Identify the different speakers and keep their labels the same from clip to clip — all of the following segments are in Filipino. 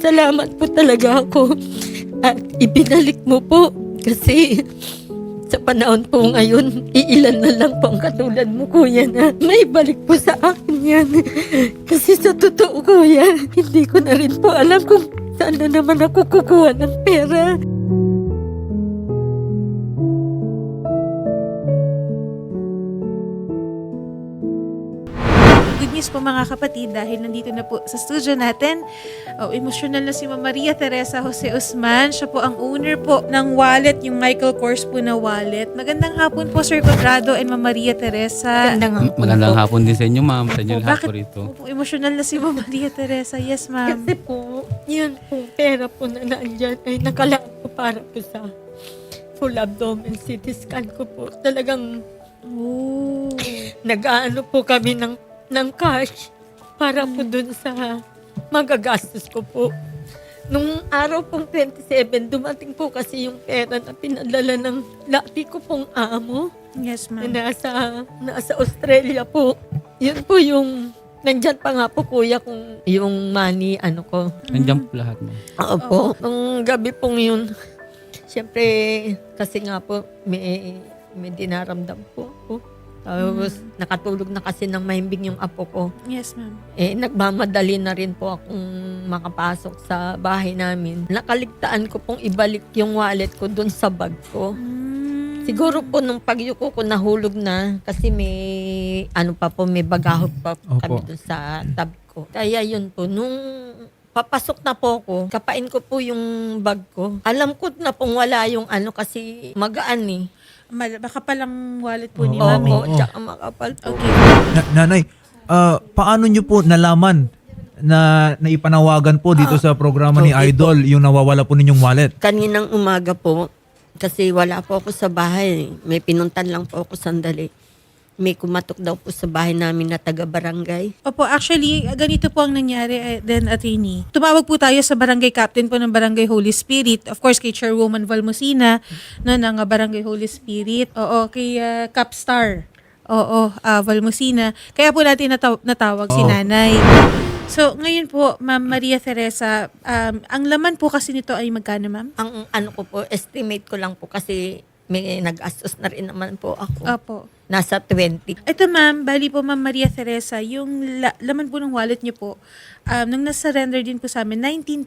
Speaker 1: nagpapasalamat po talaga ako. At ibinalik mo po kasi sa panahon po ngayon, iilan na lang po ang katulad mo, kuya, na may balik po sa akin yan. Kasi sa totoo, kuya, hindi ko na rin po alam kung saan na naman ako kukuha ng pera.
Speaker 2: Good news po mga kapatid dahil nandito na po sa studio natin. Emosyonal na si Ma'am Maria Teresa Jose Usman. Siya po ang owner po ng wallet, yung Michael Kors po na wallet. Magandang hapon po Sir Quadrado and Ma'am Maria Teresa.
Speaker 3: Magandang hapon din sa inyo, ma'am. Sa inyo lahat
Speaker 2: Bakit
Speaker 3: po rito.
Speaker 2: po emosyonal na si Ma'am Maria Teresa? Yes, ma'am.
Speaker 1: Kasi po, yun po, pera po na naandyan ay nakalaan po para po sa full abdomen CT scan ko po. Talagang nag-aano po kami ng cash para po dun sa magagastos ko po. Nung araw pong 27, dumating po kasi yung pera na pinadala ng lati ko pong amo
Speaker 2: Yes, ma'am.
Speaker 1: na nasa Australia po. Yun po yung, nandyan pa nga po kuya kung yung money, ano ko.
Speaker 3: Nandiyan po lahat, ma'am.
Speaker 1: Opo, nung gabi pong yun, siyempre, kasi nga po, may dinaramdam po ako. Tapos, nakatulog na kasi ng mahimbing yung apo ko.
Speaker 2: Yes, ma'am.
Speaker 1: Nagmamadali na rin po akong makapasok sa bahay namin. Nakaligtaan ko pong ibalik yung wallet ko dun sa bag ko. Siguro po nung pagyuko ko nahulog na kasi may may bagahod pa kami dun sa tabi ko. Kaya yun po, nung papasok na po ako, kapain ko po yung bag ko. Alam ko na pong wala yung kasi magaan eh.
Speaker 2: Baka palang wallet po ni
Speaker 1: Oo,
Speaker 2: ma'am.
Speaker 1: tsaka makapal po.
Speaker 2: Okay.
Speaker 4: Nanay, paano nyo po nalaman na naipanawagan po dito sa programa ni
Speaker 1: Okay
Speaker 4: Idol yung nawawala po ninyong wallet?
Speaker 1: Kaninang umaga po, kasi wala po ako sa bahay. May pinuntan lang po ako sandali. May kumatok daw po sa bahay namin na taga-barangay.
Speaker 2: Opo, actually, ganito po ang nangyari then attorney. Tumawag po tayo sa barangay captain po ng Barangay Holy Spirit. Of course, kay Chairwoman Valmosina, no, ng Barangay Holy Spirit. Oo, kay Capstar. Oo, Valmosina. Kaya po natin natawag si nanay. So, ngayon po, Ma'am Maria Teresa, ang laman po kasi nito ay magkano, ma'am?
Speaker 1: Ang ko po, estimate ko lang po kasi may nag-astos na rin naman po ako.
Speaker 2: Opo.
Speaker 1: Nasa 20.
Speaker 2: Ito ma'am, bali po Ma'am Maria Teresa, yung laman po ng wallet niyo po, nung nasa-surrender din po sa amin,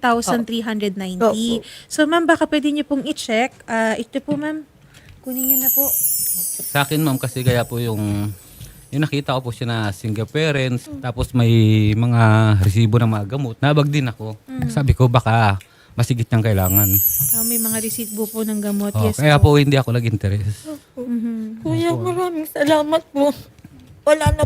Speaker 2: 19,390.
Speaker 1: Opo.
Speaker 2: So ma'am, baka pwede niyo pong i-check. Ito po ma'am, kunin niyo na po.
Speaker 3: Sa akin, ma'am, kasi kaya po yung nakita ko po siya na single parents, tapos may mga resibo ng mga gamot. Nabag din ako. Sabi ko, baka masigit niyang kailangan.
Speaker 2: May mga receipt po ng gamot. Yes
Speaker 3: Kaya
Speaker 2: po.
Speaker 3: po hindi ako nag-interest.
Speaker 1: Kuya, maraming salamat po. Wala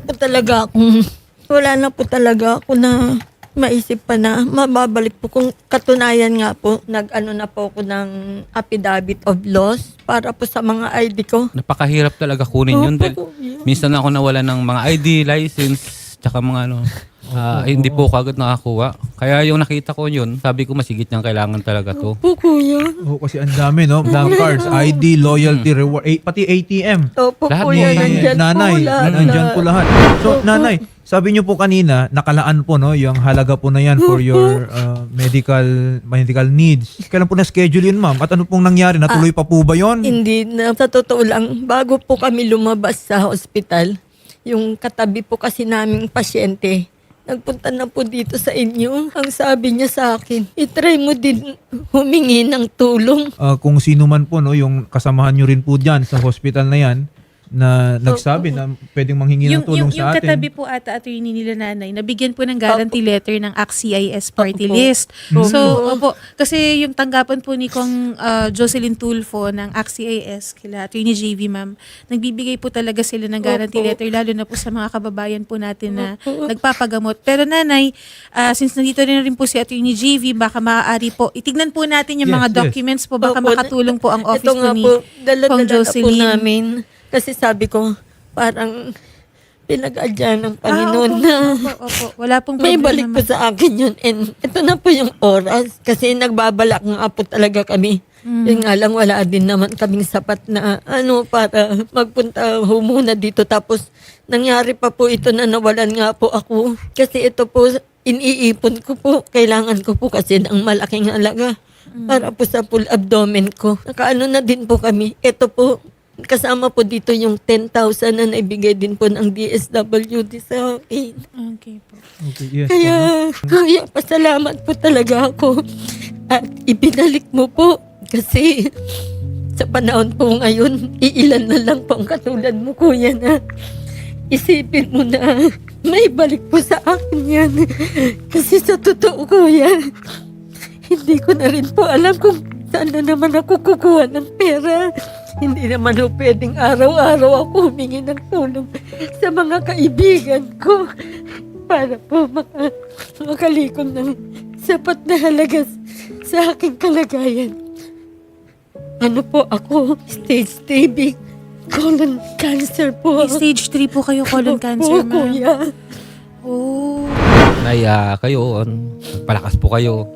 Speaker 1: na po talaga ako na maisip pa na mababalik po. Kung katunayan nga po, nag-ano na po ako ng affidavit of loss para po sa mga ID ko.
Speaker 3: Napakahirap talaga kunin yun. Dahil
Speaker 1: Kuya.
Speaker 3: minsan ako nawala ng mga ID, license, tsaka mga hindi po kagad nakakuha. Kaya yung nakita ko yun, sabi ko masigit niyang kailangan talaga to.
Speaker 1: Po, kuya.
Speaker 4: Oo, kasi ang dami, no? Bank cards, ID, loyalty, reward, pati ATM.
Speaker 1: Opo,
Speaker 3: Lahat
Speaker 1: kuya,
Speaker 3: po yan.
Speaker 1: nandyan
Speaker 4: Nanay,
Speaker 1: po lahat.
Speaker 4: nandyan po lahat. So, nanay, sabi niyo po kanina, nakalaan po, no? Yung halaga po na yan for your medical needs. Kailan po na-schedule yun, ma'am? At ano pong nangyari? Natuloy pa po ba yun?
Speaker 1: Hindi na, sa totoo lang, bago po kami lumabas sa hospital, yung katabi po kasi naming pasyente, nagpunta na po dito sa inyo. Ang sabi niya sa akin, itry mo din humingi ng tulong.
Speaker 4: Kung sino man po, no? Yung kasamahan nyo rin po dyan sa hospital na yan, na nagsabi na pwedeng manghingi ng tulong
Speaker 2: yung
Speaker 4: sa atin.
Speaker 2: katabi po ata attorney nila nanay, nabigyan po ng guarantee letter ng ACT-CIS party
Speaker 1: Opo.
Speaker 2: list.
Speaker 1: Opo.
Speaker 2: So, opo, kasi yung tanggapan po ni Kong Jocelyn Tulfo ng ACT-CIS kila attorney JV ma'am, nagbibigay po talaga sila ng guarantee
Speaker 1: Opo.
Speaker 2: letter lalo na po sa mga kababayan po natin na nagpapagamot. Pero nanay, since nandito rin po si attorney JV, baka maaari po, itignan po natin yung
Speaker 4: Yes,
Speaker 2: mga
Speaker 4: yes.
Speaker 2: documents po, baka
Speaker 1: Opo.
Speaker 2: makatulong po ang office
Speaker 1: Ito
Speaker 2: po
Speaker 1: nga
Speaker 2: ni
Speaker 1: po, dala-dala
Speaker 2: Kong
Speaker 1: na po
Speaker 2: Jocelyn.
Speaker 1: namin. Kasi sabi ko, parang pinag-adya ng Panginoon na
Speaker 2: Opo. Wala pong
Speaker 1: may
Speaker 2: problema,
Speaker 1: balik po
Speaker 2: ma'am.
Speaker 1: sa akin yun. And ito na po yung oras. Kasi nagbabalak nga po talaga kami. Yun nga lang, wala din naman kaming sapat na para magpunta muna dito. Tapos nangyari pa po ito na nawalan nga po ako. Kasi ito po, iniipon ko po. Kailangan ko po kasi ng malaking halaga para po sa full abdomen ko. Nakaano na din po kami. Ito po, kasama po dito yung 10,000 na naibigay din po ng DSWD sa akin.
Speaker 2: Okay po.
Speaker 4: Okay, yes.
Speaker 1: Kaya pasalamat po talaga ako. At ibinalik mo po. Kasi sa panahon po ngayon, iilan na lang po ang katulad mo, kuya, na isipin mo na may balik po sa akin yan. Kasi sa totoo, kuya, hindi ko na rin po alam kung saan na naman ako kukuha ng pera. Hindi naman po pwedeng araw-araw ako humingi ng tulong sa mga kaibigan ko para po makalikom ng sapat na halaga sa aking kalagayan. Ano po ako? Stage 3 colon cancer po.
Speaker 2: May stage 3 po kayo colon cancer,
Speaker 1: Opo,
Speaker 2: ma'am.
Speaker 1: kuya.
Speaker 2: Oh.
Speaker 3: Nay, kayo, palakas po kayo.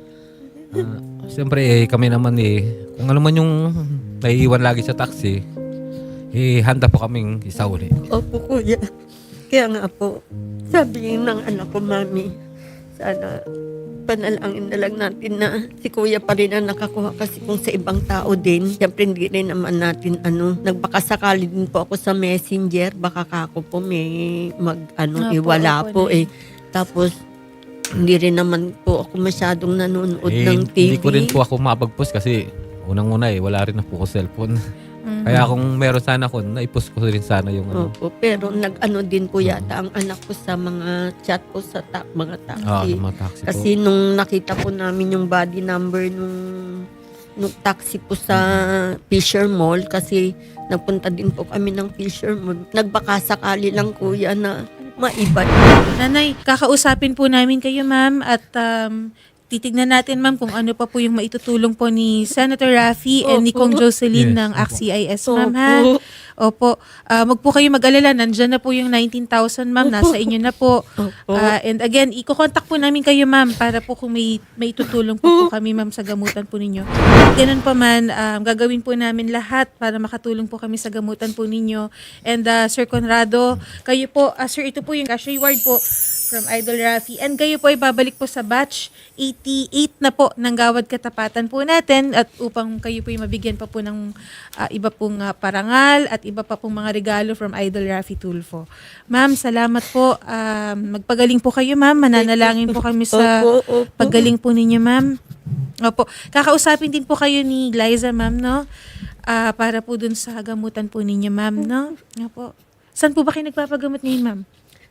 Speaker 3: Siyempre, kami naman kung ano man yung naiiwan lagi sa taxi, handa po kaming isauli.
Speaker 1: Opo, kuya. Kaya nga po, sabi ng anak ko, mami, sana panalangin na lang natin na si kuya pa rin ang nakakuha kasi kung sa ibang tao din, siyempre hindi rin naman natin nagbakasakali din po ako sa messenger, baka kako po may iwala
Speaker 2: opo
Speaker 1: po Tapos, hindi rin naman po ako masyadong nanonood ng TV.
Speaker 3: Hindi ko rin po ako mapag-post kasi unang-una wala rin na po ko cellphone. Kaya kung meron sana ako, naipost ko rin sana yung
Speaker 1: Opo, pero nag-ano din po yata ang anak ko sa mga chat po sa mga taxi.
Speaker 3: mga taxi po.
Speaker 1: Kasi nung nakita po namin yung body number nung taxi po sa Fisher Mall, kasi nagpunta din po kami ng Fisher Mall. Nagbakasakali lang, kuya, na maiba.
Speaker 2: Nanay, kakausapin po namin kayo, ma'am, at titignan natin, ma'am, kung ano pa po yung maitutulong po ni Senator Raffy and ni
Speaker 1: Opo.
Speaker 2: Kong Jocelyn
Speaker 4: Yes,
Speaker 2: ng
Speaker 4: opo.
Speaker 2: ACT-CIS, ma'am, ha?
Speaker 1: Opo.
Speaker 2: Opo. Wag po kayo mag-alala. Nandyan na po yung 19,000, ma'am. Nasa inyo na po.
Speaker 1: Opo.
Speaker 2: And again, iko-contact po namin kayo, ma'am, para po kung may tutulong po kami, ma'am, sa gamutan po ninyo. Ganun pa man, gagawin po namin lahat para makatulong po kami sa gamutan po ninyo. And Sir Conrado, kayo po, sir, ito po yung cash reward po from Idol Raffy. And kayo po ay babalik po sa batch 88 na po ng Gawad Katapatan po natin at upang kayo po ay mabigyan pa po ng iba pong parangal at iba pa pong mga regalo from Idol Raffy Tulfo. Ma'am, salamat po. Magpagaling po kayo, ma'am. Mananalangin po kami sa
Speaker 1: Opo.
Speaker 2: paggaling po ninyo, ma'am. Opo. Kakausapin din po kayo ni Liza, ma'am, no? Para po dun sa gamutan po ninyo, ma'am, no? Opo. Saan po ba kayo nagpapagamot ngayon, ma'am?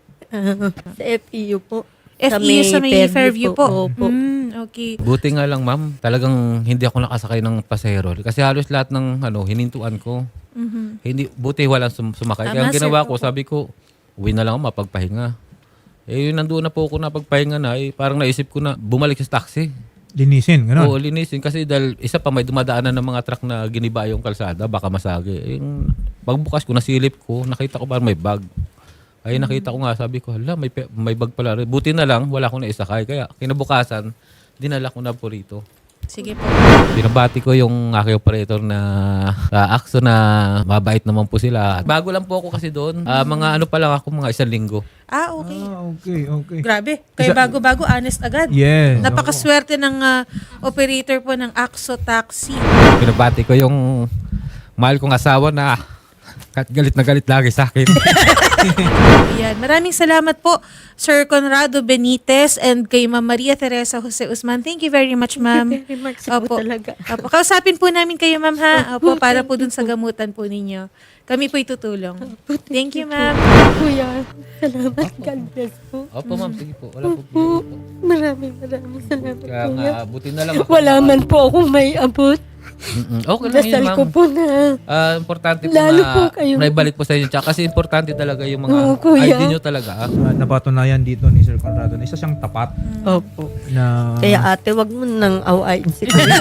Speaker 1: Sa FEU po.
Speaker 2: FEU sa may Fairview po.
Speaker 1: Opo.
Speaker 2: Okay.
Speaker 3: Buti nga lang, ma'am, talagang hindi ako nakasakay ng pasahero. Kasi halos lahat ng hinintuan ko. Hindi, buti walang sumakay. Kaya
Speaker 2: Tama,
Speaker 3: ang ginawa
Speaker 2: sir.
Speaker 3: ko, sabi ko, uwi na lang ako mapagpahinga. Yun nandoon na po ako napagpahinga na, parang naisip ko na bumalik sa taxi.
Speaker 4: Linisin, gano'n.
Speaker 3: Oo, linisin. Kasi dahil isa pa may dumadaanan ng mga truck na giniba yung kalsada, baka masagi. Yung pagbukas ko, nasilip ko, nakita ko parang may bag. Ay nakita ko nga, sabi ko, hala, may bag pala. Buti na lang, wala akong naisakay. Kaya kinabukasan, dinala ko na po rito.
Speaker 2: Sige po.
Speaker 3: Binabati ko yung aking operator na AXO na mabait naman po sila. Bago lang po ako kasi doon. Mga pa lang ako, mga 1 linggo.
Speaker 2: Okay.
Speaker 4: Okay.
Speaker 2: Grabe. Kaya bago-bago, honest agad.
Speaker 4: Yes.
Speaker 2: Napakaswerte ng operator po ng AXO Taxi.
Speaker 3: Binabati ko yung mahal kong asawa na galit na galit lagi sa akin.
Speaker 2: Ayan. Maraming salamat po, Sir Conrado Benitez and kay Ma'am Maria Teresa Jose Usman. Thank you very much, ma'am.
Speaker 1: Thank you very much po talaga.
Speaker 2: Opo. Kausapin po namin kayo, ma'am, ha? Opo, para po dun sa gamutan po ninyo. Kami po'y tutulong. Thank you, ma'am.
Speaker 1: Kuya, salamat. God bless po.
Speaker 3: Opo ma'am, sige po. Wala po.
Speaker 1: Po. Maraming salamat,
Speaker 3: Kaya
Speaker 1: kuya.
Speaker 3: nga, buti na lang ako.
Speaker 1: Wala man po akong may abot.
Speaker 3: Okay lang yun,
Speaker 1: Dasal ko
Speaker 3: ma'am.
Speaker 1: po na.
Speaker 3: Importante po
Speaker 1: Lalo
Speaker 3: na
Speaker 1: po kayo.
Speaker 3: naibalik po sa inyo. Tsaka kasi importante talaga yung mga
Speaker 1: Oo, kuya.
Speaker 3: ID nyo talaga.
Speaker 4: Napatunayan dito ni Sir Conrado na isa siyang tapat
Speaker 1: Opo.
Speaker 4: na
Speaker 1: Kaya ate, wag mo nang awayin si kuya.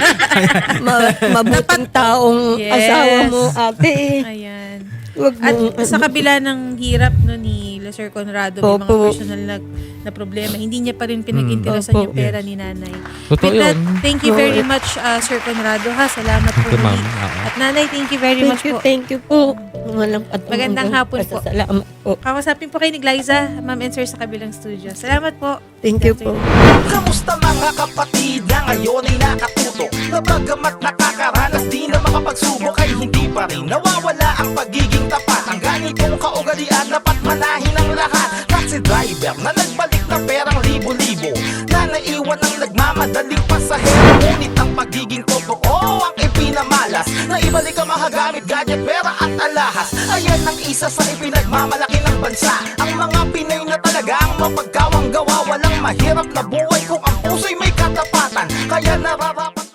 Speaker 1: Mabuting taong
Speaker 2: Yes.
Speaker 1: asawa mo, ate.
Speaker 2: Ayan.
Speaker 1: Wag
Speaker 2: At
Speaker 1: mo.
Speaker 2: sa kabila ng hirap no ni nila Sir Conrado, may mga
Speaker 1: Opo.
Speaker 2: personal na problema, hindi niya pa rin pinag-interesan
Speaker 1: Opo.
Speaker 2: yung pera ni nanay.
Speaker 3: Totoo
Speaker 2: With that,
Speaker 3: yun.
Speaker 2: thank you very much, Sir Conrado, ha? Salamat po.
Speaker 3: Thank you, ma'am.
Speaker 2: muli.
Speaker 3: Oo.
Speaker 2: At nanay, thank you very much po.
Speaker 1: Thank you po. Walang
Speaker 2: Magandang hapon po.
Speaker 1: Salamat po.
Speaker 2: Kausapin po kayo ni Glyza, Ma'am and Sir sa kabilang studio. Salamat po.
Speaker 1: Thank you po.
Speaker 5: Kamusta mga kapatid na ngayon ay nakatutok, na bagamat nakakaranas di na makapagsubok ay hindi pa rin nawawala ang pagiging tapat. Ang ganitong kaugalian dapat manahin ng lahat. Taxi driver na nagbalik na perang libo-libo, na naiwan ang nagmamadaling pasahero. Ngunit ang pagiging totoo ang ipinamalas, na ibalik ang mahagamit, gadget, pera at alahas. Ayan ang isa sa ipinagmamalaki ng bansa, ang mga Pinoy na talagang mapagkawang gawa. Walang mahirap na buhay